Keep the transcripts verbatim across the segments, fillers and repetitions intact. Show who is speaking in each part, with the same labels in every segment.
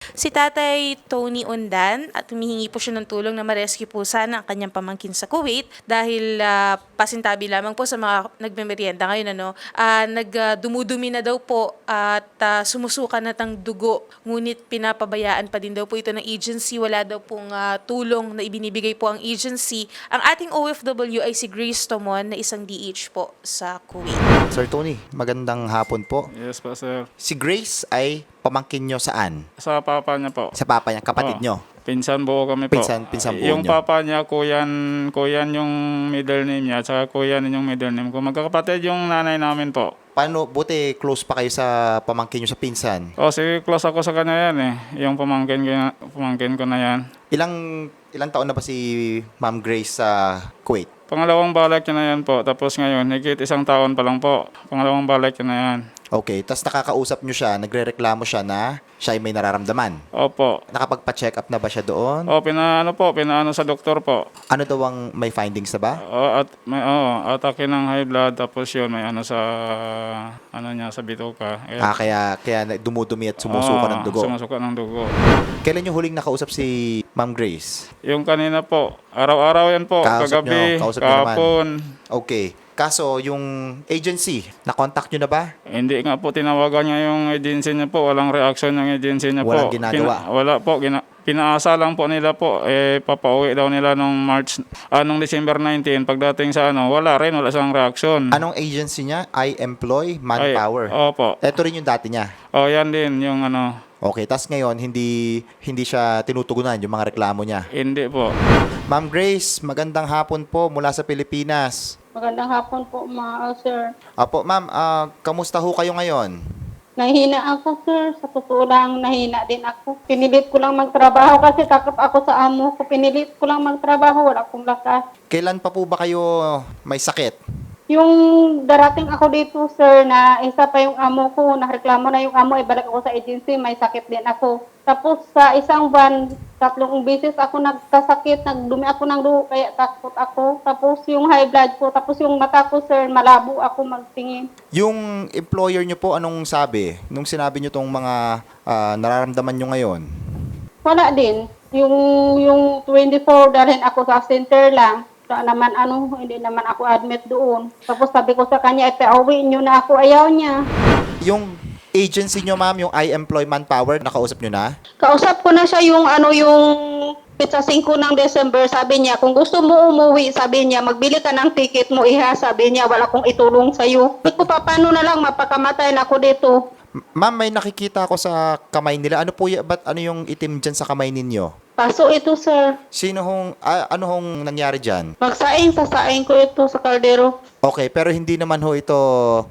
Speaker 1: si Tatay Tony Undan at humihingi po siya ng tulong na ma-rescue po sana ang kanyang pamangkin sa Kuwait dahil ah, pasintabi lamang po sa mga nagmemeryenda ngayon. Ano, Ah, nagdumudumi na daw po at ah, sumusuka na ng dugo ngunit pinapabayaan pa din daw po ito ng agency. Wala daw pong ah, tulong na ibinibigay po ang agency. Ang ating O F W ay si Grace Tomon na isang D H po sa Kuwait.
Speaker 2: Sir Tony, magandang hapon po.
Speaker 3: Yes po, sir.
Speaker 2: Si Grace ay pamangkin nyo saan?
Speaker 3: Sa papa niya po.
Speaker 2: Sa papa niya, kapatid
Speaker 3: Oo.
Speaker 2: nyo?
Speaker 3: Pinsan buo kami po.
Speaker 2: Pinsan- pinsan buo
Speaker 3: Yung
Speaker 2: niyo.
Speaker 3: papa niya, kuyan, kuyan yung middle name niya, at saka kuyan yung middle name ko. Magkakapatid yung nanay namin po.
Speaker 2: Paano, buti close pa kayo sa pamangkin nyo sa pinsan?
Speaker 3: O, sige, close ako sa kanya yan eh. Yung pamangkin ko, pamangkin ko na yan.
Speaker 2: Ilang, ilang taon na ba si Ma'am Grace sa Kuwait?
Speaker 3: Pangalawang balik niya na yan po. Tapos ngayon, higit isang taon pa lang po. Pangalawang balik niya na yan.
Speaker 2: Okay, tapos nakakausap nyo siya, nagre-reklamo siya na siya ay may nararamdaman.
Speaker 3: Opo.
Speaker 2: Nakapagpa-check up na ba siya doon?
Speaker 3: O, pinaano po, pinaano sa doktor po.
Speaker 2: Ano daw ang may findings na ba?
Speaker 3: O, at may, oh, atake ng high blood, tapos yun, may ano sa, ano niya, sa bituka. Eh,
Speaker 2: Ah, kaya, kaya na- dumudumi at sumusuka
Speaker 3: Oo,
Speaker 2: ng dugo.
Speaker 3: Sumusuka ng dugo.
Speaker 2: Kailan nyo huling nakausap si Ma'am Grace?
Speaker 3: Yung kanina po, araw-araw yan po,
Speaker 2: Kausap
Speaker 3: kagabi,
Speaker 2: nyo, kausap nyo naman.
Speaker 3: kahapon.
Speaker 2: Okay. Kaso, yung agency, na-contact nyo na ba?
Speaker 3: Hindi nga po tinawagan niya yung agency niya po, walang reaction ng agency niya
Speaker 2: Walang
Speaker 3: po.
Speaker 2: ginagawa.
Speaker 3: Kina- wala po, gina- pinaasa lang po nila po, eh, papauwi daw nila nung March, anong December nineteenth, pagdating sa ano, wala rin, wala siyang reaction.
Speaker 2: Anong agency niya? I Employ Manpower.
Speaker 3: Ay, opo.
Speaker 2: Ito rin yung dati niya.
Speaker 3: O, yan din, yung ano,
Speaker 2: Okay, tas ngayon, hindi hindi siya tinutugunan yung mga reklamo niya.
Speaker 3: hindi po.
Speaker 2: Ma'am Grace, magandang hapon po mula sa Pilipinas.
Speaker 4: Magandang hapon po, mga sir.
Speaker 2: Apo, ma'am, ah, kamusta ho kayo ngayon?
Speaker 4: Nahina ako, sir. Sa totoo lang, nahina din ako. Pinilit ko lang magtrabaho kasi takot ako sa amo ko. Pinilit ko lang magtrabaho, wala akong lakas.
Speaker 2: Kailan pa po ba kayo may sakit?
Speaker 4: Yung darating ako dito, sir, na isa pa yung amo ko, nareklamo na yung amo, ibalik ako sa agency, may sakit din ako. Tapos sa isang buwan, tatlong beses ako nagkasakit, nagdumi ako ng dugo, kaya takot ako. Tapos yung high blood ko, tapos yung mata ko, sir, malabo ako magtingin.
Speaker 2: Yung employer nyo po, anong sabi? Nung sinabi nyo tong mga ah, nararamdaman nyo ngayon?
Speaker 4: Wala din. Yung, yung twenty-four, dalhin ako sa center lang. Wala naman ano, hindi naman ako admit doon. Tapos sabi ko sa kanya, ipauwi nyo na ako. Ayaw niya.
Speaker 2: Yung agency nyo, ma'am, yung I Employ Manpower, nakausap nyo na?
Speaker 4: Kausap ko na siya yung ano, yung pizza singko ng December. Sabi niya, kung gusto mo umuwi, sabi niya, magbili ka ng ticket mo, iha. Sabi niya, wala akong itulong sa'yo. Sabi ko, pa, paano na lang, mapakamatay na ako dito.
Speaker 2: M- Ma'am, may nakikita ako sa kamay nila. Ano po, y- ba't ano yung itim dyan sa kamay ninyo?
Speaker 4: Paso ito, sir.
Speaker 2: Sino hong, ah, ano hong nangyari dyan?
Speaker 4: Magsaing, sasaing ko ito sa kaldero.
Speaker 2: Okay, pero hindi naman ho ito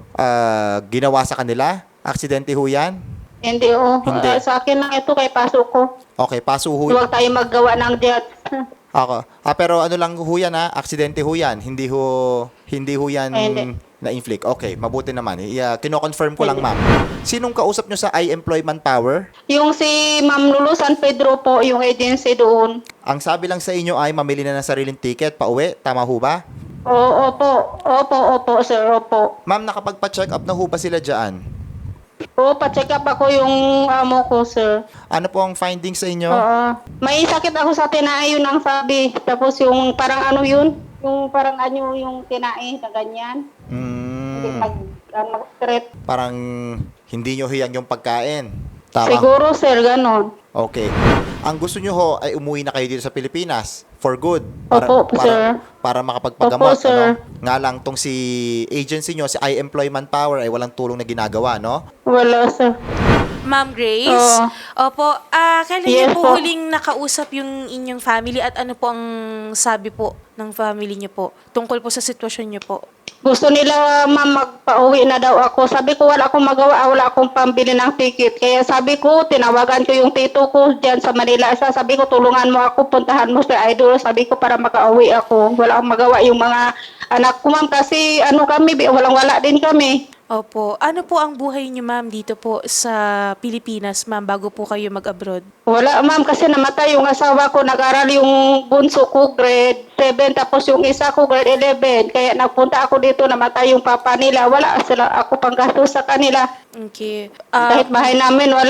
Speaker 2: ah, ginawa sa kanila? Aksidente ho yan?
Speaker 4: Hindi, oh.
Speaker 2: Hindi.
Speaker 4: Ah, sa akin lang ito, kay paso ko.
Speaker 2: Okay, paso ho.
Speaker 4: Huwag tayo maggawa ng jet.
Speaker 2: Ako. Ah, pero ano lang ho yan ha? Aksidente ho yan. Hindi ho, hindi ho yan
Speaker 4: Ay, hindi.
Speaker 2: na-inflict. Okay, mabuti naman. Yeah, kino-confirm ko lang, ma'am. Sinong kausap nyo sa I Employ Manpower?
Speaker 4: Yung si Ma'am Lulu San Pedro po, yung agency doon.
Speaker 2: Ang sabi lang sa inyo ay mamili na ng sariling ticket, pauwi. Tama ho ba?
Speaker 4: Oo, opo. Opo, opo, sir, opo.
Speaker 2: Ma'am, nakapagpa-check up na ho ba sila dyan?
Speaker 4: Oo, pa-check up ako yung amo ko, sir.
Speaker 2: Ano po ang findings sa inyo?
Speaker 4: Oo. May sakit ako sa tinae, yun ang sabi. Tapos yung parang ano yun? Yung parang ano yung tinae na ganyan. Hindi
Speaker 2: Hmm,
Speaker 4: mag, ano, straight.
Speaker 2: parang hindi nyo hiyang yung pagkain. Tama?
Speaker 4: Siguro, sir, ganon.
Speaker 2: Okay. Ang gusto nyo ho ay umuwi na kayo dito sa Pilipinas for good.
Speaker 4: Opo,
Speaker 2: para,
Speaker 4: sir.
Speaker 2: Para makapagpagamot.
Speaker 4: Opo, sir.
Speaker 2: Ano? Nga lang, tong si agency nyo, si I Employ Manpower, ay walang tulong na ginagawa, no?
Speaker 4: Wala, sir.
Speaker 1: Ma'am Grace,
Speaker 4: Oo.
Speaker 1: opo, ah kailan
Speaker 4: Yes
Speaker 1: niyo po
Speaker 4: po.
Speaker 1: huling nakausap yung inyong family at ano po ang sabi po ng family niyo po tungkol po sa sitwasyon niyo po?
Speaker 4: Gusto nila, ma'am, magpa-uwi na daw ako. Sabi ko, wala akong magawa, wala akong pambili ng ticket. Kaya sabi ko, tinawagan ko yung tito ko dyan sa Manila. Sa sabi ko, tulungan mo ako, puntahan mo sa Idol. Sabi ko, para makauwi ako. Wala akong magawa yung mga anak ko, ma'am. Kasi ano kami, walang-wala din kami.
Speaker 1: Opo, ano po ang buhay niyo ma'am dito po sa Pilipinas ma'am bago po kayo mag-abroad?
Speaker 4: Wala, ma'am, kasi namatay yung asawa ko. Nag-aral yung bunso ko, grade seven, tapos yung isa ko, grade eleven. Kaya nagpunta ako dito, namatay yung papa nila. Wala sila ako pang gastos sa kanila.
Speaker 1: Okay. Ah,
Speaker 4: Kahit bahay namin, wala.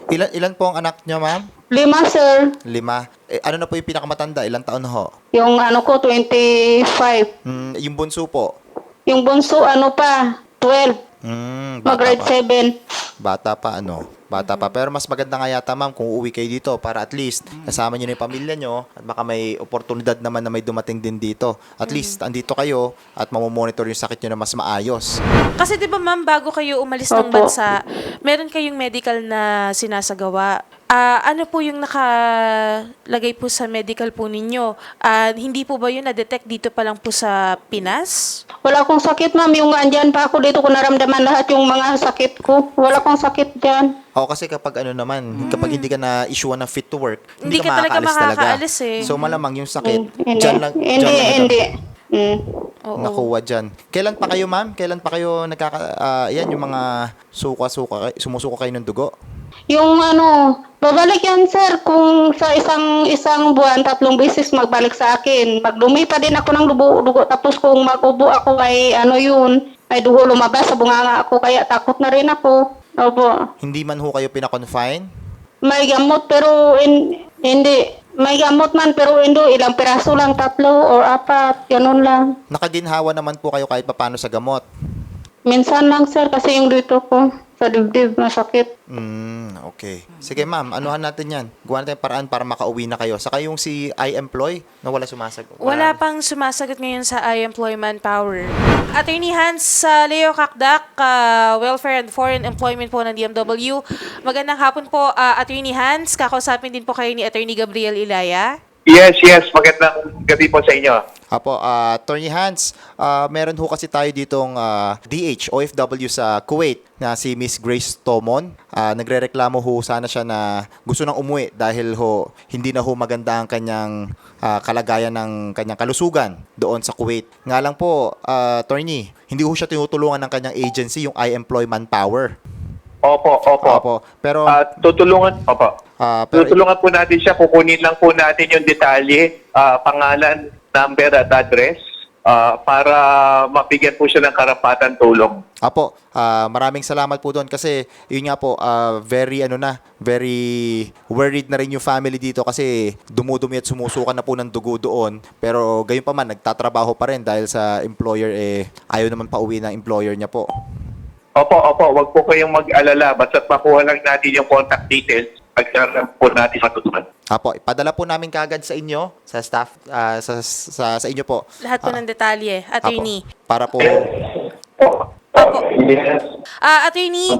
Speaker 2: Ilan, ilan po ang anak niyo, ma'am?
Speaker 4: Lima, sir.
Speaker 2: Lima. Eh, ano na po yung pinakamatanda? Ilang taon ho?
Speaker 4: Yung ano ko, twenty-five.
Speaker 2: Hmm, yung bunso po?
Speaker 4: Yung bunso, ano pa, twelve.
Speaker 2: Hmm, bata
Speaker 4: Mag-grade
Speaker 2: pa.
Speaker 4: seven.
Speaker 2: Bata pa, ano? Bata pa. Pero mas maganda nga yata, ma'am, kung uuwi kayo dito para at least kasama nyo na yung pamilya nyo at baka may oportunidad naman na may dumating din dito. At least, andito kayo at mamomonitor yung sakit nyo na mas maayos.
Speaker 1: Kasi 'di ba ma'am, bago kayo umalis ng
Speaker 4: Opo.
Speaker 1: bansa, meron kayong medical na sinasagawa. Ah, ano po yung nakalagay po sa medical po ninyo? Ah, hindi po ba yun na-detect dito pa lang po sa Pinas?
Speaker 4: Wala akong sakit, ma'am. Yung andyan pa ako dito ko naramdaman lahat yung mga sakit ko. Wala akong sakit dyan.
Speaker 2: O kasi kapag ano naman, kapag hindi ka na-issue ng fit to work, hindi,
Speaker 1: Hindi
Speaker 2: ka,
Speaker 1: ka talaga
Speaker 2: makakaalis talaga.
Speaker 1: makakaalis eh.
Speaker 2: So malamang yung sakit,
Speaker 4: Hindi,
Speaker 2: dyan lang,
Speaker 4: hindi,
Speaker 2: dyan lang
Speaker 4: hindi. Mm.
Speaker 1: Oo.
Speaker 2: nakuha dyan. Kailan pa kayo, ma'am? Kailan pa kayo nagkaka... ah, yan, yung mga suka-suka, sumusuka kayo ng dugo?
Speaker 4: Yung ano, babalik yan, sir, kung sa isang isang buwan, tatlong beses magbalik sa akin. Magdumi pa din ako ng dugo, dugo. Tapos kung magubo ako ay ano yun, ay dugo lumabas sa bunganga ako, kaya takot na rin ako. Opo.
Speaker 2: Hindi man ho kayo pinakonfine?
Speaker 4: May gamot pero in, hindi. May gamot man pero hindi. Ilang piraso lang, tatlo or apat, ganun lang.
Speaker 2: Nakaginhawa naman po kayo kahit papano sa gamot?
Speaker 4: Minsan lang, sir, kasi yung dito ko sa dibdib masakit.
Speaker 2: Hmm, okay. Sige ma'am, anuhan natin yan. Gawa natin yung paraan para makauwi na kayo. Saka yung si I-employ na wala sumasagot.
Speaker 1: Wala pang sumasagot ngayon sa I-Employ Manpower. Attorney Hans uh, Leo Kakdak, uh, Welfare and Foreign Employment po ng D M W. Magandang hapon po, uh, Attorney Hans. Kakausapin din po kayo ni Attorney Gabriel Ilaya.
Speaker 5: Yes, yes. Magandang gabi po sa inyo.
Speaker 2: Apo, uh, Attorney Hans, uh, meron ho kasi tayo ditong uh, D H, O F W sa Kuwait na si Miss Grace Tomon. Uh, nagrereklamo ho sana siya na gusto nang umuwi dahil ho hindi na ho maganda ang kanyang uh, kalagayan ng kanyang kalusugan doon sa Kuwait. Nga lang po, uh, Attorney, hindi ho siya tinutulungan ng kanyang agency, yung I-Employ Manpower.
Speaker 5: Opo, opo.
Speaker 2: Opo, pero...
Speaker 5: Ah, tutulungan, opo.
Speaker 2: uh, pero
Speaker 5: Tutulungan po natin siya. Kukunin lang po natin yung detalye, ah, pangalan, number at address ah, para mabigyan po siya ng karapatan tulong.
Speaker 2: Apo, ah, maraming salamat po doon kasi yun nga po, ah, very ano na, very worried na rin yung family dito kasi dumudumi at sumusukan na po ng dugo doon. Pero gayon pa man, nagtatrabaho pa rin dahil sa employer eh ayaw naman pauwi ng employer niya po.
Speaker 5: Opo, opo. Huwag po kayong mag-alala. Basta't makuha lang natin yung contact details. Pagkaroon po natin matutunan.
Speaker 2: Apo, ipadala po namin kagad sa inyo, sa staff, ah, sa, sa, sa inyo po.
Speaker 1: Lahat po
Speaker 2: Ah,
Speaker 1: ng detalye, Attorney.
Speaker 2: Apo, para po,
Speaker 1: Opo.
Speaker 5: Yes.
Speaker 1: Ah, Attorney,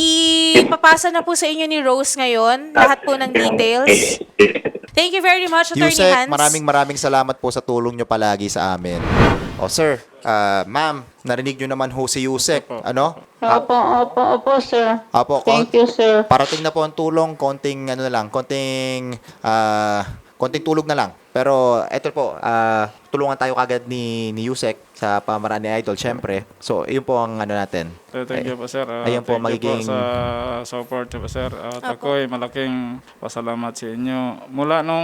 Speaker 1: ipapasa na po sa inyo ni Rose ngayon lahat po ng details. Thank you very much, Attorney
Speaker 2: Yusek,
Speaker 1: Hans.
Speaker 2: maraming maraming salamat po sa tulong nyo palagi sa amin. O sir, ah, ma'am, narinig nyo naman ho si Yusek, ano?
Speaker 4: Opo, opo, opo, sir.
Speaker 2: Apo,
Speaker 4: Thank you, sir.
Speaker 2: parating na po ang tulong, konting ano na lang, konting ah, konting tulog na lang. Pero eto po, ah, tulungan tayo kagad ni ni Yusek sa pamaraan ni Idol, syempre. So, yun po ang ano natin.
Speaker 3: So, thank you po, sir. Ah,
Speaker 2: Ayun po,
Speaker 3: thank
Speaker 2: magiging-
Speaker 3: you po sa support niyo po, sir. At ako'y malaking pasalamat sa inyo. Mula nung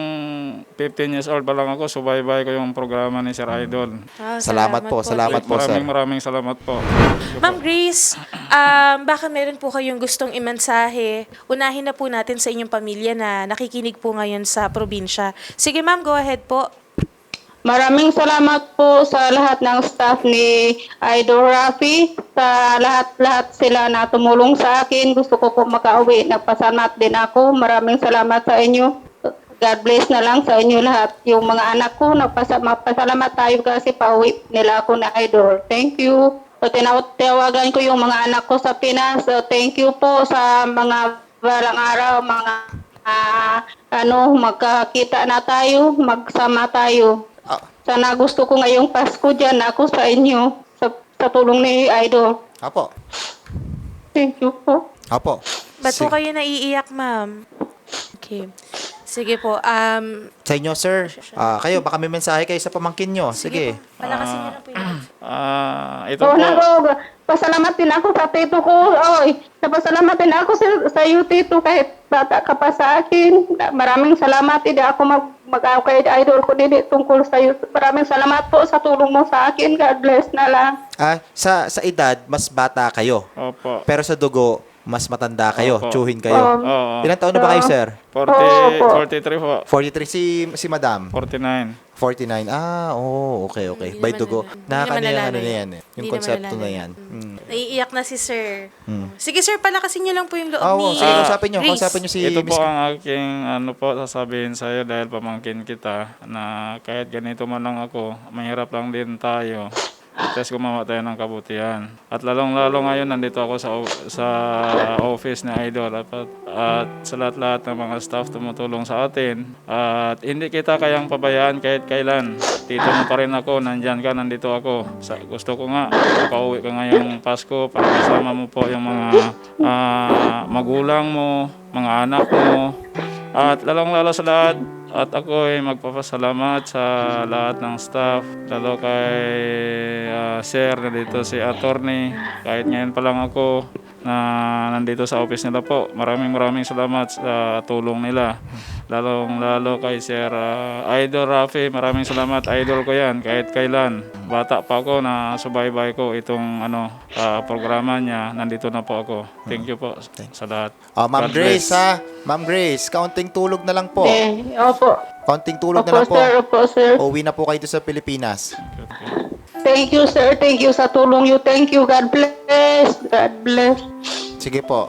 Speaker 3: fifteen years old pa lang ako, subaybay ko yung programa ni Sir Idol.
Speaker 1: Ah,
Speaker 2: Salamat po, salamat po, sir.
Speaker 3: Maraming maraming salamat po.
Speaker 1: Ma'am Grace, um, baka meron po kayong gustong imensahe. Unahin na po natin sa inyong pamilya na nakikinig po ngayon sa probinsya. Sige ma'am, go ahead po.
Speaker 4: Maraming salamat po sa lahat ng staff ni Idol Rafi, sa lahat-lahat sila na tumulong sa akin. Gusto ko po makauwi. Nagpasalamat din ako. Maraming salamat sa inyo. God bless na lang sa inyo lahat. Yung mga anak ko, nagpasa- magpasalamat tayo kasi pauwi nila ako na Idol. Thank you. So, tinawagan ko yung mga anak ko sa Pinas. So, thank you po sa mga balang araw, mga ah, ano, magkakita na tayo, magsama tayo.
Speaker 2: Ah,
Speaker 4: Sana gusto ko ngayong Pasko dyan ako sa inyo, sa, sa tulong ni Idol.
Speaker 2: apo.
Speaker 4: Thank you po.
Speaker 2: Apo.
Speaker 1: Ba't po
Speaker 2: Si-
Speaker 1: kayo naiiyak, ma'am? Okay. Sige po. Um,
Speaker 2: sa inyo, sir. Ah, kayo, baka may mensahe kayo sa pamangkin nyo. Sige.
Speaker 1: po. Palakasin niyo na po yun.
Speaker 3: Ah, ito
Speaker 4: So,
Speaker 3: po.
Speaker 4: nako, pasalamat din ako sa tito ko. Oy, pasalamat din ako sa, sa iyo, tito, kahit bata ka pa sa akin. Maraming salamat. Hindi ako mag, mag kay Idol ko din tungkol sa iyo. Maraming salamat po sa tulong mo sa akin. God bless na lang.
Speaker 2: Ah, sa sa edad, mas bata kayo.
Speaker 3: Opo.
Speaker 2: Pero sa dugo, mas matanda kayo,
Speaker 3: Opo.
Speaker 2: tsuhin kayo.
Speaker 3: Oo.
Speaker 2: Ilang taon na ba kayo, sir?
Speaker 3: forty,
Speaker 4: Opo.
Speaker 3: forty-three po.
Speaker 2: forty-three si si Madam.
Speaker 3: forty-nine.
Speaker 2: forty-nine. Ah, oh, okay, okay.
Speaker 1: Hindi
Speaker 2: By
Speaker 1: naman
Speaker 2: dugo.
Speaker 1: nalala- hindi
Speaker 2: Nakakano
Speaker 1: naman
Speaker 2: yung
Speaker 1: nalala
Speaker 2: ano na
Speaker 1: yun.
Speaker 2: yan eh. Yung
Speaker 1: Hindi
Speaker 2: konsepto
Speaker 1: naman
Speaker 2: na
Speaker 1: nalala
Speaker 2: yan.
Speaker 1: yun.
Speaker 2: Mm.
Speaker 1: Naiiyak na si sir.
Speaker 2: Hmm.
Speaker 1: Sige sir, palakasin niyo lang po yung loob
Speaker 2: Ah,
Speaker 1: ni
Speaker 2: oh, sige,
Speaker 3: Ah,
Speaker 2: kausapin nyo.
Speaker 1: Grace.
Speaker 2: Kausapin nyo si
Speaker 3: Ito
Speaker 2: Miss
Speaker 3: po ang aking ano po sasabihin sa iyo dahil pamangkin kita na kahit ganito man lang ako, mahirap lang din tayo. Tapos gumawa tayo ng kabutihan. At lalong-lalo ngayon nandito ako sa o- sa office ni Idol at, at sa lahat-lahat ng mga staff tumutulong sa atin. At hindi kita kayang pabayaan kahit kailan. Tito mo pa rin ako, nandyan ka, nandito ako. Sa, gusto ko nga, makauwi ka ngayong Pasko para kasama mo po yung mga ah, magulang mo, mga anak mo. At lalong-lalo sa lahat, at ako ay magpapasalamat sa lahat ng staff, lalo kay ah, Sir na dito si Attorney. Kahit ngayon pa lang ako na nandito sa office nila po. Maraming maraming salamat sa tulong nila. Lalong lalo kay Sir ah, Idol Rafi, maraming salamat. Idol ko yan kahit kailan. Bata pa ako na subaybay ko itong ano ah, programa niya. Nandito na po ako. Thank you po sa lahat.
Speaker 2: Ah, Ma'am
Speaker 3: God
Speaker 2: Grace,
Speaker 3: bless.
Speaker 2: ha? Ma'am Grace, kaunting tulog na lang po.
Speaker 4: Eh, opo.
Speaker 2: Kaunting tulog na
Speaker 4: Opo,
Speaker 2: lang po.
Speaker 4: sir. Opo, sir.
Speaker 2: Uwi na po kayo dito sa Pilipinas.
Speaker 4: Thank you, sir. Thank you sa tulong you. Thank you. God bless. God bless.
Speaker 2: Sige po.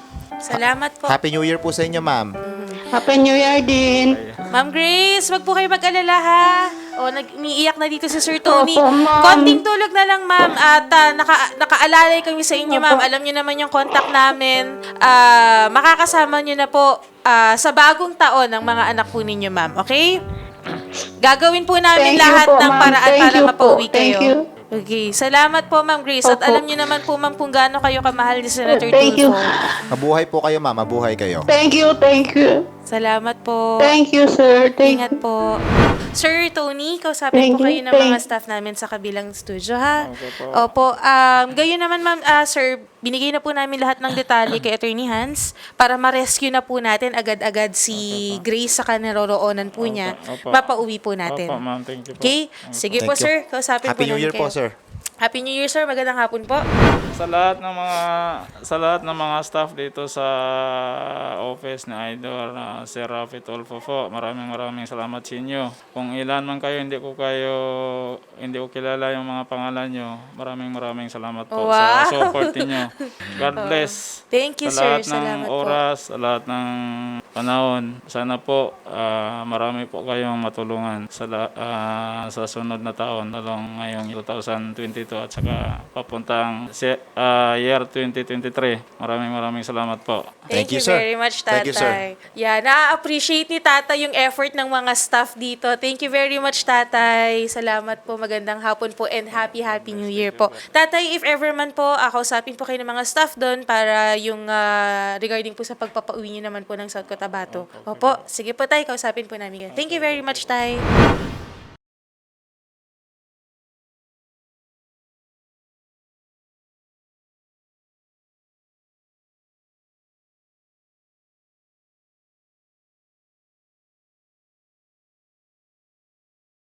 Speaker 1: Salamat po.
Speaker 2: Happy New Year po sa inyo, ma'am.
Speaker 4: Happy New Year din.
Speaker 1: Ma'am Grace, wag po kayo mag-alala ha. O, nag-umiiyak na dito si Sir Tony.
Speaker 4: Opo, ma'am.
Speaker 1: Konting tulog na lang, ma'am. At ah, naka, nakaalalay kami sa inyo, ma'am. Alam niyo naman yung contact namin. Ah, makakasama niyo na po ah, sa bagong taon ng mga anak po ninyo, ma'am. Okay? Gagawin po namin
Speaker 4: Thank you
Speaker 1: lahat
Speaker 4: po,
Speaker 1: ng
Speaker 4: ma'am.
Speaker 1: paraan
Speaker 4: Thank
Speaker 1: para
Speaker 4: you po.
Speaker 1: mapauwi
Speaker 4: Thank
Speaker 1: kayo.
Speaker 4: you.
Speaker 1: Okay. Salamat po, Ma'am Grace. At
Speaker 4: Opo.
Speaker 1: alam niyo naman po, ma'am, kung gaano kayo kamahal ni Senator
Speaker 4: Thank you.
Speaker 1: Tulfo.
Speaker 2: Mabuhay po kayo, ma'am. Mabuhay kayo.
Speaker 4: Thank you. Thank you.
Speaker 1: Salamat po.
Speaker 4: Thank you, sir. Thank
Speaker 1: Ingat po. Sir Tony, kausapin
Speaker 4: Thank
Speaker 1: po
Speaker 4: you.
Speaker 1: kayo ng mga
Speaker 4: Thank-
Speaker 1: staff namin sa kabilang studio, ha?
Speaker 3: Opo po.
Speaker 1: Opo. Um, gayon naman, ma'am, ah, sir, binigay na po namin lahat ng detalye kay Attorney Hans para ma-rescue na po natin agad-agad si Grace sa kanaroroonan po niya.
Speaker 3: Opo.
Speaker 1: Mapauwi po natin.
Speaker 3: Opo, ma'am. Thank you po.
Speaker 1: Okay? Sige
Speaker 2: Thank
Speaker 1: po,
Speaker 2: you.
Speaker 1: sir. Kausapin
Speaker 2: Happy
Speaker 1: po
Speaker 2: New
Speaker 1: namin
Speaker 2: Year po,
Speaker 1: kayo.
Speaker 2: sir.
Speaker 1: Happy New Year, sir. Magandang hapon po.
Speaker 3: Sa lahat ng mga sa lahat ng mga staff dito sa office ni Idol uh, Sir Rafi Tulfo po, maraming maraming salamat sa inyo. Kung ilan man kayo, hindi ko kayo hindi ko kilala yung mga pangalan nyo. Maraming maraming salamat po
Speaker 1: Wow.
Speaker 3: sa support niyo. God bless.
Speaker 1: Thank you,
Speaker 3: sa
Speaker 1: sir.
Speaker 3: lahat ng
Speaker 1: Salamat po.
Speaker 3: oras, sa lahat ng panahon. Sana po ah, marami po kayong matulungan sa la- ah, sa sunod na taon, lalong ngayong twenty twenty-two at saka papuntang se- ah, year twenty twenty-three. Maraming maraming salamat po.
Speaker 1: Thank,
Speaker 2: Thank you,
Speaker 1: you
Speaker 2: sir.
Speaker 1: very much, Tatay.
Speaker 2: Thank you, sir.
Speaker 1: Yeah, na-appreciate ni Tatay yung effort ng mga staff dito. Thank you very much, Tatay. Salamat po. Magandang hapon po and happy, happy New Year po. Tatay, if ever man po, uh, kausapin po kayo ng mga staff doon para yung ah, regarding po sa pagpapauwi niyo naman po ng South Cotabato. Opo, sige po, Tay. Kausapin po namin. Thank you very much, Tay.